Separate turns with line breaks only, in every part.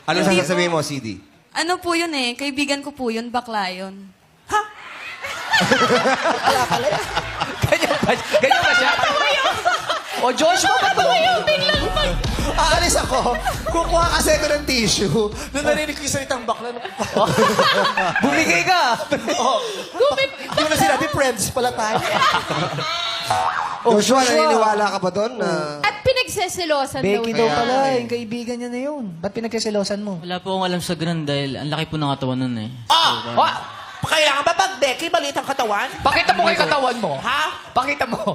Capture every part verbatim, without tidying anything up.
Ano
Hindi
sasabihin mo, C D?
Ano po yun eh, kaibigan ko po yun, bakla yun.
Ganyan ba, ganyan ba siya? O, Joshua, ba't ba?
Aalis ako. Kukuha kasi ako ng tissue. Nung narinig ko yung salitang bakla.
Bumigay ka.
Oh. Yung na sinabi, friends pala tayo.
Joshua, naniniwala ka ba doon? Na...
At pinagseselosan daw.
Becky daw
Kaya
pala,
eh.
yung kaibigan niya na yun. Ba't pinagkasilosan mo?
Wala po akong alam sa ganun dahil ang laki po ng katawan nun eh.
Ah! Ah! Kaya nga ba pag Becky, maliit ang katawan?
Pakita mo kay katawan mo.
Ha?
Pakita mo.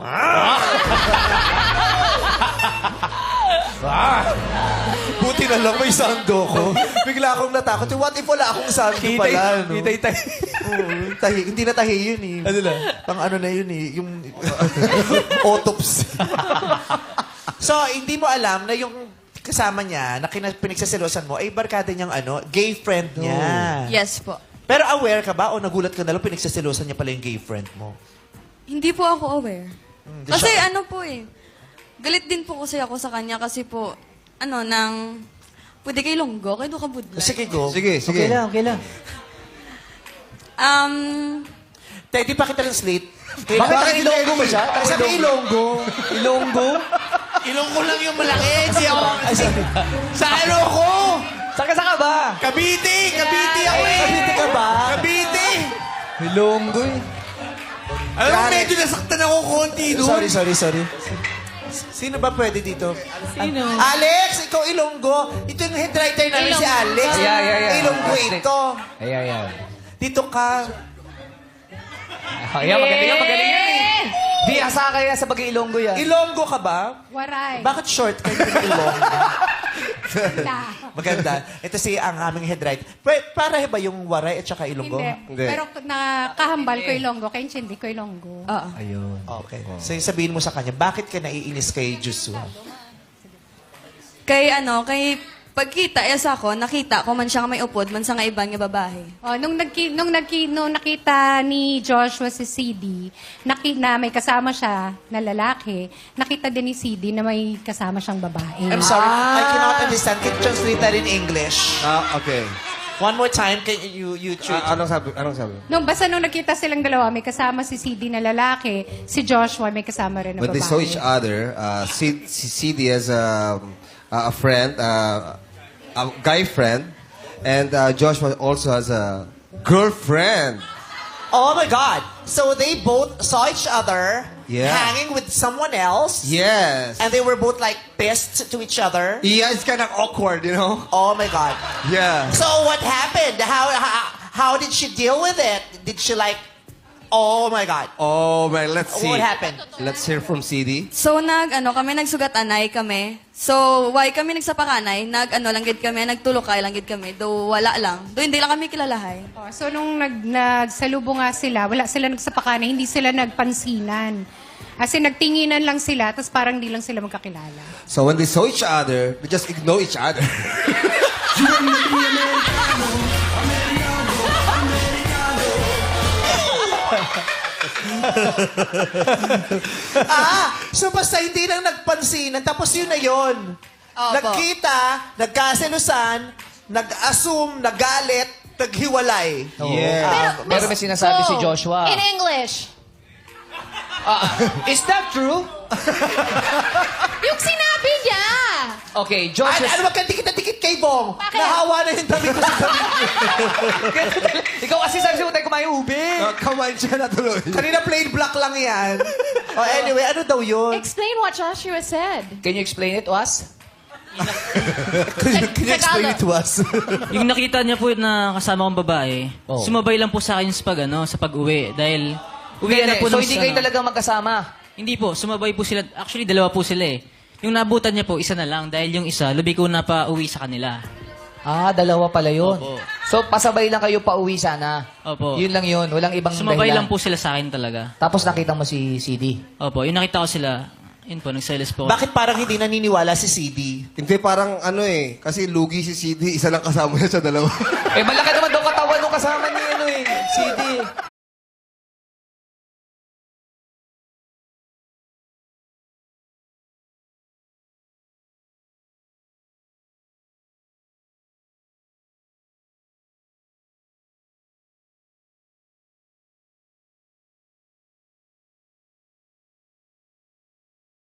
Buti na lang may sando ko. Bigla akong natakot. What if wala akong sando pala, no?
Kitay, kitay.
Oo, tahi. Hindi na tahi yun eh. Ano na? Pang ano na yun eh. Yung autopsy. So, hindi mo alam na yung kasama niya, na kina- pinagsaselosan mo, ay barkada niyang ano, gay friend niya.
Yes po.
Pero aware ka ba o nagulat ka na lang pinagsaselosan niya pala yung gay friend mo?
Hindi po ako aware.
Hindi
Kasi
siya-
ano po eh, galit din po kasi ako sa kanya kasi po, ano, nang, pwede kay Longgo, kay Duka Budlay.
Sige, go.
Sige, sige.
Okay lang, okay lang.
Um,
Tayo, di pa kita translate.
Bakit ang Ilonggo ba siya?
Kasi sabi Ilonggo.
Ilonggo?
Ilonggo lang yung malaki. Si, si, sa ano ko?
Saka saka ba?
Cavite! Cavite ako eh!
Cavite ka ba?
Cavite!
Ilonggo eh.
Alam mo, medyo nasaktan ako konti doon. Sorry, sorry, sorry. Sino ba pwede dito?
Sino?
Alex, ikaw Ilonggo. Ito yung head writer namin si Alex.
Yeah, yeah, yeah.
Ilonggo ito.
Ay, ay, ay.
Dito ka.
Ayan, magaling yan, magaling yan eh. Di asa kaya sa bagay Ilonggo yan.
Ilonggo ka ba?
Waray.
Bakit short ka yung Ilonggo?
Wala.
Maganda. Ito si ang aming head writer. Pa- para ba yung Waray at saka Ilonggo?
Hindi.
Hindi.
Pero nakahambal ko yung longgo, kaya hindi ko yung longgo.
oo.
Ayun.
Okay. So yung sabihin mo sa kanya, bakit ka naiinis kay Joshua?
Kay ano, kay pagkita, yes ako, nakita ko man siya nga may upod, man sa nga ibang nga babae.
Oh, nung, nagki, nung, nagki, nung nakita ni Joshua si C D, naki, na may kasama siya na lalaki, nakita din ni C D na may kasama siyang babae.
I'm sorry, I cannot understand. Can you translate that in English?
Ah, okay.
One more time, can you, you treat...
Ah, anong sabi? Anong sabi?
Nung basta nung nakita silang dalawa, may kasama si C D na lalaki, si Joshua may kasama rin na
When
babae.
they saw each other, uh, C- si C D has a, a friend, uh, a guy friend, and uh, Joshua also has a girlfriend.
Oh my God! So they both saw each other
Yeah.
hanging with someone else,
Yes.
and they were both like pissed to each other.
Yeah, it's kind of awkward, you know?
Oh my God!
Yeah.
So what happened? How how, how did she deal with it? Did she like? Oh my God!
Oh, man, let's see.
What happened?
Let's hear from C D.
So nag ano kami nagsugat-anay kami. So why kami nagsapakanay, nag ano lang gid kami, nagtulokay lang gid kami. Do wala lang. Do hindi lang kami kilalahay.
Oh, so nung nag, nagsalubo nga sila, wala sila nagsapakanan, hindi sila nagpansinan. Kasi nagtinginan lang sila, tapos parang hindi lang sila magkakilala.
So when they saw each other, they just ignore each other.
Ah, so basta hindi lang nagpansinan, tapos yun na yun.
Opo.
Nagkita, nagkaselusan, nag-assume, nagalit, naghiwalay.
Yeah.
Pero may sinasabi si Joshua.
In English.
Is that true?
Yung sinabi niya!
Okay,
Ay,
Joshua.
ano wag kang dikit-dikit kay Bong?
Bakit?
Nahawa na yung damit ko sa damit.
Ikaw kasi sabi mo tayo kumain ube.
Uh, kumain siya na tuloy.
Kanina plain black lang yan. Oh, anyway, ano daw yun?
Explain what Joshua said.
Can you explain it to us?
Can you, can you explain it to us?
Yung nakita niya po na kasama kong babae,
Oh.
sumabay lang po sa akin sa pag, ano, sa pag-uwi. Dahil, uwi na po
so
nung-
hindi kayo
ano,
talagang magkasama?
Hindi po, sumabay po sila. Actually, dalawa po sila eh. Yung nabutan niya po, isa na lang. Dahil yung isa, lubi ko na pa uwi sa kanila.
Ah, dalawa pala yun.
Opo.
So, pasabay lang kayo pa uwi sana.
Opo.
Yun lang yun. Walang ibang
Sumabay
dahilan.
lang po sila sa akin talaga.
Tapos nakita mo si C D.
Opo, yung nakita ko sila, yun po, nagselos po.
Bakit parang hindi naniniwala si C D?
Hindi, parang ano eh. Kasi lugi si C D, isa lang kasama niya sa dalawa.
Eh, malaki naman daw katawan nung kasama ni ano eh, C D.